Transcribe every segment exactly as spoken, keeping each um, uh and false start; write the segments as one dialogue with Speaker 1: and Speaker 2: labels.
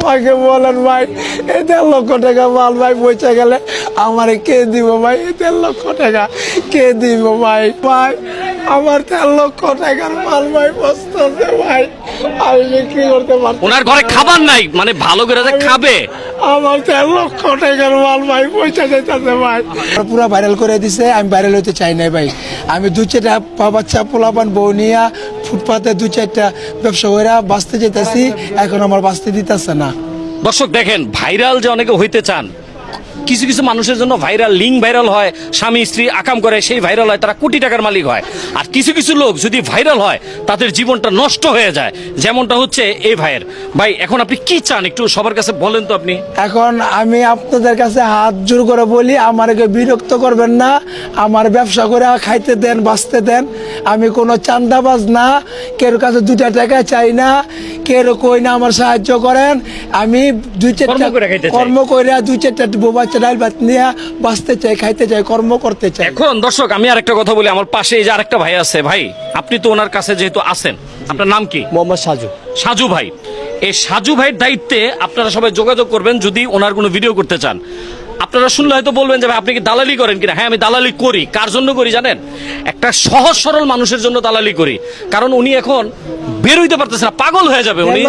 Speaker 1: আমাকে বলেন ভাই এই দেড় লক্ষ টাকা মাল ভাই পয়সা গেলে আমারে কে দিব ভাই? এই দেড় লক্ষ টাকা কে দিব ভাই? ভাই আমার দেড় লক্ষ টাকার মাল ভাই বসতেছে ভাই, আমি বিক্রি করতে পারছি।
Speaker 2: ওনার ঘরে খাবার নাই, মানে ভালো করে যে খাবে।
Speaker 1: আমার দেড় লক্ষ টাকার মাল ভাই পয়সা যেতেছে ভাই। পুরো ভাইরাল করে দিছে, আমি ভাইরাল হতে চাই নাই ভাই। আমি দু চারটা পা বাচ্চা পোলাপান বউ নিয়া ফুটপাতে দু চারটা ব্যবসা করে বাঁচতে যেতেছি, এখন আমার বাঁচতে দিতেছে না।
Speaker 2: দর্শক দেখেন, ভাইরাল যে অনেকে হইতে চান, কিছু কিছু মানুষের জন্য ভাইরাল, লিঙ্ক ভাইরাল হয়, স্বামী স্ত্রী আকাম করে সেই ভাইরাল হয়, তারা কোটি টাকার মালিক হয়। আর কিছু কিছু লোক যদি ভাইরাল হয় তাদের জীবনটা নষ্ট হয়ে যায়, যেমনটা হচ্ছে এই ভাইয়ের। ভাই এখন আপনি কি চান একটু সবার কাছে বলেন তো আপনি।
Speaker 1: এখন আমি আপনাদের কাছে হাত জোর করে বলি, আমাকে বিরক্ত করবেন না, আমার ব্যবসা করে খাইতে দেন, বাঁচতে দেন। আমি কোনো চান্দাবাজ না, কেউ কাছে দুটা টাকা চাই না, কেউ কই না আমার সাহায্য করেন। আমি দুই চারটা কর্ম করে দুই চারটা বাচ্চা ডাল ভাত নিয়ে বাঁচতে চাই, খাইতে চাই, কর্ম করতে চাই।
Speaker 2: এখন দর্শক আমি আরেকটা কথা বলি, আমার পাশে এই যে আরেকটা ভাই আছে, ভাই আপনি তো ওনার কাছে যেহেতু আছেন, আপনার নাম কি?
Speaker 3: মোহাম্মদ সাজু।
Speaker 2: সাজু ভাই, এই সাজু ভাইয়ের দায়িত্বে আপনারা সবাই যোগাযোগ করবেন যদি ওনার কোনো ভিডিও করতে চান। আপনারা শুনলে হয়তো বলবেন যে ভাই আপনি কি দালালি করেন কিনা? হ্যাঁ, আমি দালালি করি। কার জন্য করি জানেন? একটা সহজ সরল মানুষের জন্য দালালি করি, কারণ উনি এখন বের হইতে পারতেছে না, পাগল হয়ে যাবে উনি।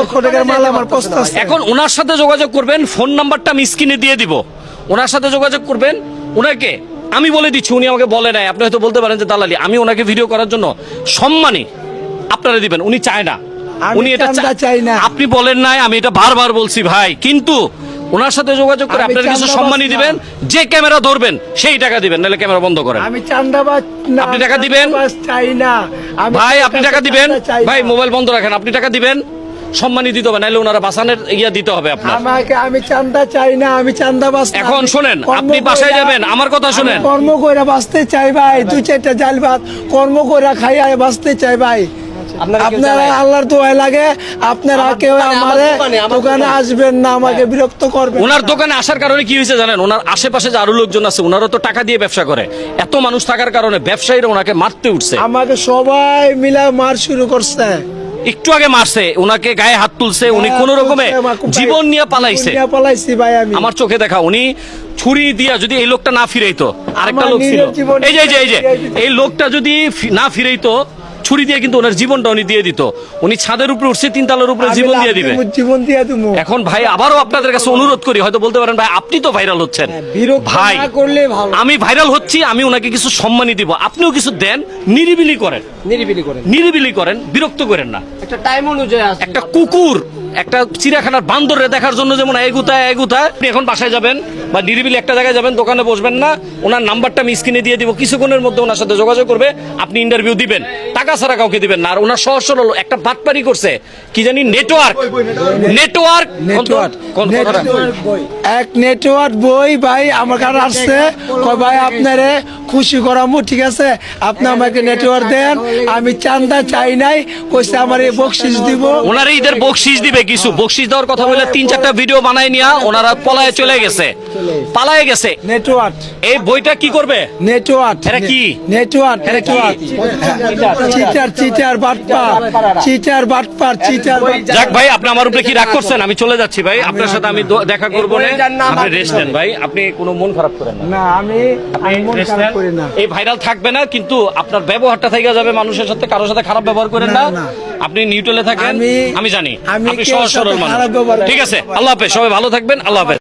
Speaker 2: এখন ওনার সাথে যোগাযোগ করবেন, ফোন নাম্বারটা আমি স্ক্রিনে দিয়ে দিব, ওনার সাথে যোগাযোগ করবেন। ওনাকে আমি বলে দিচ্ছি, উনি আমাকে বলে নাই, আপনি হয়তো বলতে পারেন যে দালালি। আমি ওনাকে ভিডিও করার জন্য সম্মানী আপনারা দিবেন, উনি চায় না, উনি এটা চাই না। আপনি বলেন নাই, আমি এটা বারবার বলছি ভাই, কিন্তু ওনার সাথে যোগাযোগ করে আপনারা কিছু সম্মানী দিবেন। যে ক্যামেরা ধরবেন সেই টাকা দিবেন, নাহলে ক্যামেরা বন্ধ করেন।
Speaker 1: আমি চান্দাবাজ না,
Speaker 2: আপনি টাকা দিবেন
Speaker 1: চাই না
Speaker 2: ভাই, আপনি টাকা দিবেন ভাই, মোবাইল বন্ধ রাখেন, আপনি টাকা দিবেন, সম্মানী দিতে হবে, নাহলে ওনারা বাসানের ইয়া দিতে হবে আপনার।
Speaker 1: আমাকে আমি চান্দা চাই না, আমি চান্দাবাজ না।
Speaker 2: এখন শুনেন, আপনি বাসায় যাবেন, আমার কথা শুনেন।
Speaker 1: কর্ম করে বাঁচতে চাই ভাই, দুই চারটা জাল ভাত কর্ম করে খাই আর বাঁচতে চাই ভাই। আপনারা আল্লাহর দোয়ায় লাগে, আপনারা কেউ আমারে দোকানে আসবেন না, আমাকে বিরক্ত করবেন।
Speaker 2: ওনার দোকানে আসার কারণে কি হয়েছে জানেন? ওনার আশেপাশে যে আরো লোকজন আছে, ওনারও তো টাকা দিয়ে ব্যবসা করে, এত মানুষ থাকার কারণে ব্যবসায়ীরা ওনাকে মারতে উঠছে।
Speaker 1: আমাকে সবাই মিলে মার শুরু করছে।
Speaker 2: একটু আগে মারছে, ওনাকে গায়ে হাত তুলছে, উনি কোন রকমে জীবন নিয়ে পালাইছে।
Speaker 1: পালাইছি ভাই আমি,
Speaker 2: আমার চোখে দেখা। উনি ছুরি দিয়া যদি এই লোকটা না ফিরাইতো, আরেকটা লোক ছিল, এই যে এই যে এই লোকটা যদি না ফিরাইতো, ছুরি দিয়ে কিন্তু ওনার জীবনটা উনি দিয়ে দিত। উনি ছাদের উপরে উঠছে, তিন তলার উপরে জীবন দিয়ে দিবে, জীবন দিয়ে দেবো। এখন ভাই আবারও আপনাদের কাছে অনুরোধ করি, হয়তো বলতে পারেন ভাই আপনি তো ভাইরাল হচ্ছেন, ভাই আমি ভাইরাল হচ্ছি, আমি ওনাকে কিছু সম্মানী দিব, আপনিও কিছু দেন, নিরিবিলি করেন, নিরিবিলি করেন, নিরিবিলি করেন, বিরক্ত করেন না। একটা টাইম অনুযায়ী একটা কুকুর একটা চিড়িয়াখানার বান্দরে দেখার জন্য যেমন এগুতায় এগুতায়, আপনি এখন বাসায় যাবেন বা নিরিবিলি একটা জায়গায় যাবেন, দোকানে বসবেন না, ওনার নাম্বারটা আমি স্ক্রিনে দিয়ে দিব, কিছুক্ষণের মধ্যে ওনার সাথে যোগাযোগ করবে, আপনি ইন্টারভিউ দিবেন, টাকা ছাড়া কাউকে দিবেন না। আর ওনার সহজ সরল একটা বাটপারি করছে, কি জানি নেটওয়ার্ক নেটওয়ার্ক
Speaker 1: এক নেটওয়ার্ক বই ভাই আমার কাছে আসছে, ভাই আপনারে খুশি করামু, ঠিক আছে আপনি আমাকে নেটওয়ার্ক দেন, আমি চান্দা চাই নাই, কইছে আমার এই বকশিস দিব।
Speaker 2: ওনারা ঈদের বকশিস দিবে, কিছু বকশিস দেওয়ার কথা বলে তিন চারটা ভিডিও বানায় নিয়া ওনারা পলায়ে চলে গেছে, পালায়ে গেছে।
Speaker 1: নেটওয়ার্ক
Speaker 2: এই বইটা কি করবে?
Speaker 1: নেটওয়ার্ক
Speaker 2: এটা কি?
Speaker 1: নেটওয়ার্ক নেটওয়ার্ক চিটার চিটার বাটপার, চিটার বাটপার, চিটার।
Speaker 2: যাক ভাই, আপনি আমার উপরে কি রাগ করছেন? আমি চলে যাচ্ছি ভাই, আপনার সাথে আমি দেখা করবো না, আপনি রেস্ট নেন ভাই, আপনি কোনো মন খারাপ করেন না।
Speaker 1: না আমি মন খারাপ করি না।
Speaker 2: এই ভাইরাল থাকবে না, কিন্তু আপনার ব্যবহারটা থেকে যাবে, মানুষের সাথে কারোর সাথে খারাপ ব্যবহার করেন না, আপনি নিউট্রালে থাকেন, আমি জানি আপনি সহজ সরল মানুষ। ঠিক আছে, আল্লাহ হাফেজ, সবাই ভালো থাকবেন, আল্লাহ হাফেজ।